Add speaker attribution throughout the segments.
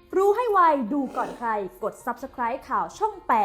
Speaker 1: รู้ให้ไวดูก่อนใครกด Subscribe ข่าวช่อง 8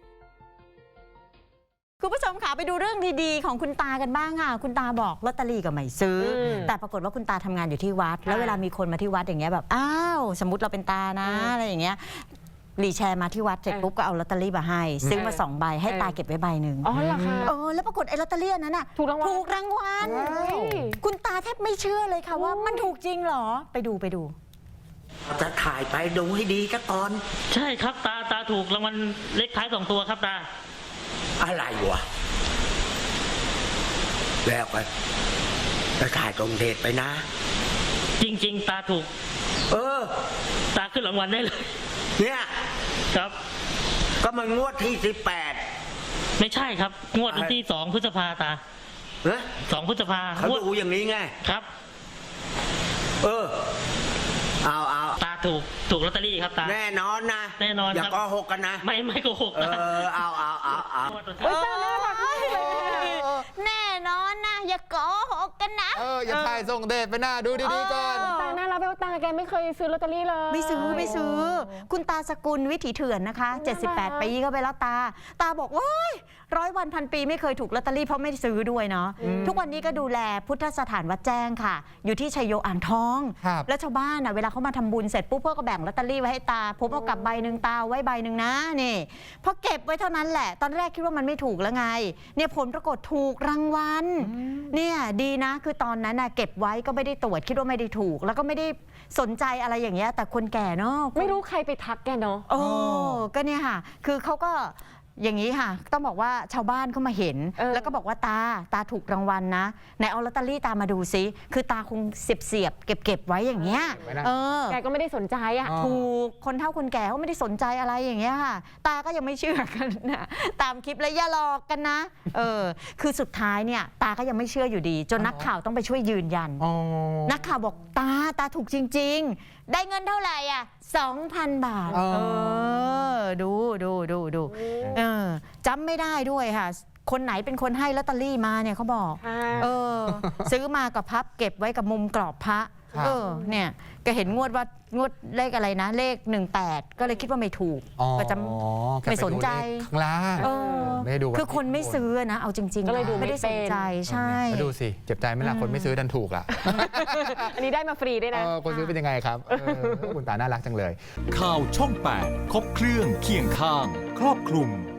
Speaker 2: คุณผู้ชมค่ะไปดูเรื่องดีๆของคุณตากันบ้างค่ะคุณตาบอกลอตเตอรี่ก็ไม่ซื้อแต่ปรากฏว่าคุณตาทำงานอยู่ที่วัดแล้วเวลามีคนมาที่วัดอย่างเงี้ยแบบอ้าวสมมติเราเป็นตานะอะไรอย่างเงี้ยรีแชร์มาที่วัดเสร็จปุ๊บก็เอาลอตเตอรี่มาให้ซื้อมา2 ใบให้ตาเก็บไว้ใบหนึ่ง
Speaker 3: อ๋อเหรอคะ
Speaker 2: แล้วปรากฏไอ้ลอตเตอรี่นั้นน่ะถูกรางวัลคุณตาแทบไม่เชื่อเลยค่ะว่ามันถูกจริงเหรอไปดู
Speaker 4: จะถ่ายไปดูให้ดีก็ก่อน
Speaker 5: ใช่ครับตาถูกรางวัลเลขท้าย2 ตัวครับตา
Speaker 4: อะไรวะแล้วไปจะถ่ายตรงเดทไปนะ
Speaker 5: จริงๆตาถูกตาขึ้นรางวัลได้เลย
Speaker 4: เนี่ย
Speaker 5: ครับ
Speaker 4: ก็มันงวดที่
Speaker 5: 18ไม่ใช่ครับงวดวันที่2 พฤษภาตา2 พฤษภา
Speaker 4: เขาดูอย่างนี้ไง
Speaker 5: ครับ
Speaker 4: เอา
Speaker 5: ตาถูกลอตเตอรี่ครับตา
Speaker 4: แน่นอนนะ
Speaker 5: แน่นอน
Speaker 4: อย่าโกหกกันนะ
Speaker 5: ไม่โกหกนะ
Speaker 4: เอา
Speaker 2: แน่นอนนะอย่าโกหกกันนะ
Speaker 3: อย่าถ่ายส่งเดทไปหน้าดูดีๆก่อน
Speaker 6: ตาน่ารักไปว่าตาแกไม่เคยซื้อลอตเตอรี่เลย
Speaker 2: ไม่ซื้อคุณตาสกุลวิถีเถื่อนนะคะ78 ปีก็ไปแล้วตาบอกว้าย100 วันพันปีไม่เคยถูกลอตเตอรี่เพราะไม่ซื้อด้วยเนาะทุกวันนี้ก็ดูแลพุทธสถานวัดแจ้งค่ะอยู่ที่ชัยโยอ่างทองแล้วชาวบ้านเวลาเขามาทำบุญเสร็จปุ๊บเพื่อก็แบ่งลอตเตอรี่ไว้ให้ตาผมเอากลับใบหนึ่งตาไว้ใบหนึ่งนะนี่พอเก็บไว้เท่านั้นแหละตอนแรกคิดว่ามันไม่ถูกแล้วไงเนี่ยผลปรากฏถูกรางวัลเนี่ยดีนะคือตอนนั้นเก็บไว้ก็ไม่ได้ตรวจคิดว่าไม่ได้ถูกแล้วก็ไม่ได้สนใจอะไรอย่างเงี้ยแต่คนแก่เนาะ
Speaker 6: ไม่รู้ใครไปทักแกเนาะ
Speaker 2: ก็เนี่ยค่ะคือเขาก็อย่างนี้ค่ะต้องบอกว่าชาวบ้านเขามาเห็นแล้วก็บอกว่าตาถูกรางวัลนะไหนเอาลอตเตอรี่ตามาดูซิคือตาคงเสียบเก็บไว้อย่างเงี้ย
Speaker 6: แกก็ไม่ได้สนใจ
Speaker 2: ถูกคนเฒ่าคนแก่เขาไม่ได้สนใจอะไรอย่างเงี้ยค่ะตาก็ยังไม่เชื่อกันนะตามคลิปแล้วอย่าหลอกกันนะคือสุดท้ายเนี่ยตาก็ยังไม่เชื่ออยู่ดีจนนักข่าวต้องไปช่วยยืนยันนักข่าวบอกตาถูกจริงๆได้เงินเท่าไหร่2,000 บาทดูจำไม่ได้ด้วยค่ะคนไหนเป็นคนให้ลอตเตอรี่มาเนี่ยเขาบอกซื้อมากับพับเก็บไว้กับมุมกรอบพระเนี่ยก็เห็นงวดเลขอะไรนะเลข18ก็เลยคิดว่าไม่ถูกก็จะไม่สนใจ
Speaker 3: ข้างล่างไม่ดู
Speaker 2: คือคนไม่ซื้อนะเอาจริงๆ
Speaker 6: ก็เลยดู
Speaker 2: ไม่ได้สนใจใช่
Speaker 3: ดูสิเจ็บใจไหมล่ะคนไม่ซื้อดันถูกล่ะ
Speaker 6: อันนี้ได้มาฟรีด้วยนะ
Speaker 3: คนซื้อเป็นยังไงครับคุณตาน่ารักจังเลย
Speaker 7: ข่าวช่อง 8 ครบเครื่องเคียงข้างครอบคลุม